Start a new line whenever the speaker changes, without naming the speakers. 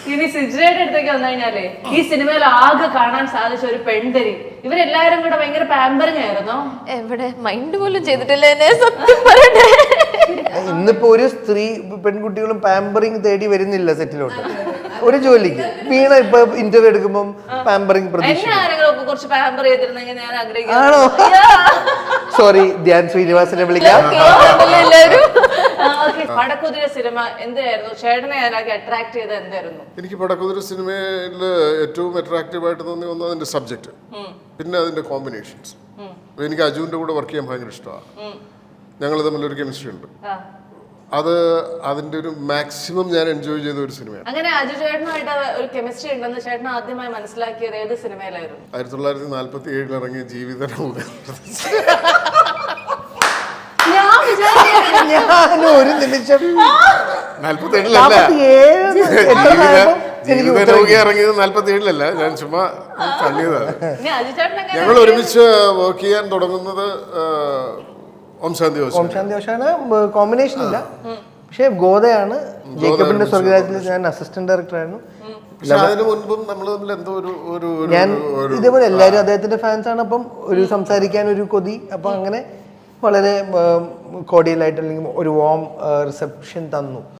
ഇനി സിജുരയുടെ അടുത്തേക്ക് വന്നു കഴിഞ്ഞാലേ ഈ സിനിമയിൽ ആകെ കാണാൻ സാധിച്ച ഒരു പെൺതരി ഇവരെല്ലാരും കൂടെ ഭയങ്കര പാമ്പറിങ് ആയിരുന്നോ?
എവിടെ മൈൻഡ് പോലും ചെയ്തിട്ടില്ല എന്നെ സത്യം പറയട്ടെ.
ഇന്നിപ്പോ ഒരു സ്ത്രീ പെൺകുട്ടികളും പാമ്പറിങ് തേടി വരുന്നില്ല സെറ്റിലോട്ട് ഒരു ജോലിക്ക്. വീണ ഇപ്പൊ ഇന്റർവ്യൂ എടുക്കുമ്പോൾ പാമ്പറിങ് പ്രതീക്ഷ.
എന്നെ ആരെങ്കിലും കുറച്ച് പാമ്പർ ചെയ്തിരുന്നെങ്കിൽ ഞാൻ ആഗ്രഹിക്കുന്നു.
ആണോ? സോറി, ധ്യാൻ ശ്രീനിവാസനെ വിളിക്കാം.
പടക്കുതിര സിനിമ എന്തായിരുന്നു ചേട്ടനെ അതിലേക്ക് അട്രാക്ട് ചെയ്ത് എന്തായിരുന്നു?
എനിക്ക് പടക്കുതിര സിനിമയിൽ ഏറ്റവും അട്രാക്റ്റീവ് ആയിട്ട് തോന്നി ഒന്ന് അതിന്റെ സബ്ജക്റ്റ്, പിന്നെ അതിന്റെ കോമ്പിനേഷൻസ്. എനിക്ക് അജുവിന്റെ കൂടെ വർക്ക് ചെയ്യാൻ ഭയങ്കര ഇഷ്ടമാണ്. ഞങ്ങൾ തമ്മിലൊരു കെമിസ്ട്രി ഉണ്ട്. അത് അതിന്റെ ഒരു മാക്സിമം ഞാൻ എൻജോയ് ചെയ്ത ഒരു സിനിമയാണ്.
അങ്ങനെ അജു ചേട്ടനുമായിട്ട് ഒരു കെമിസ്ട്രി ഉണ്ടെന്ന് ചേട്ടൻ ആദ്യമായി മനസ്സിലാക്കിയത് ഏത് സിനിമയിലായിരുന്നു?
1947 ഇറങ്ങിയ ജീവിതം.
ഞാൻ ഒരു നിമിഷം
47 ഇറങ്ങിയത് 47 ഞാൻ ചുമ്മാ തള്ളിയതാണ്. ഞങ്ങൾ ഒരുമിച്ച് വർക്ക് ചെയ്യാൻ തുടങ്ങുന്നത് ഓം ശാന്തി
ഓഷാണ്. കോമ്പിനേഷൻ ഇല്ല, പക്ഷെ ഗോദയാണ്. ജേക്കബിന്റെ സ്വർഗരാജ്യത്തിൽ ഞാൻ അസിസ്റ്റന്റ് ഡയറക്ടറായിരുന്നു.
അതിന് മുൻപും നമ്മൾ തമ്മിൽ എന്തോ ഒരു
ഞാൻ ഇതേപോലെ എല്ലാവരും അദ്ദേഹത്തിന്റെ ഫാൻസ് ആണ്. അപ്പം ഒരു സംസാരിക്കാൻ ഒരു കൊതി. അപ്പം അങ്ങനെ വളരെ കോഡിയലായിട്ട് അല്ലെങ്കിൽ ഒരു വാം റിസപ്ഷൻ തന്നു.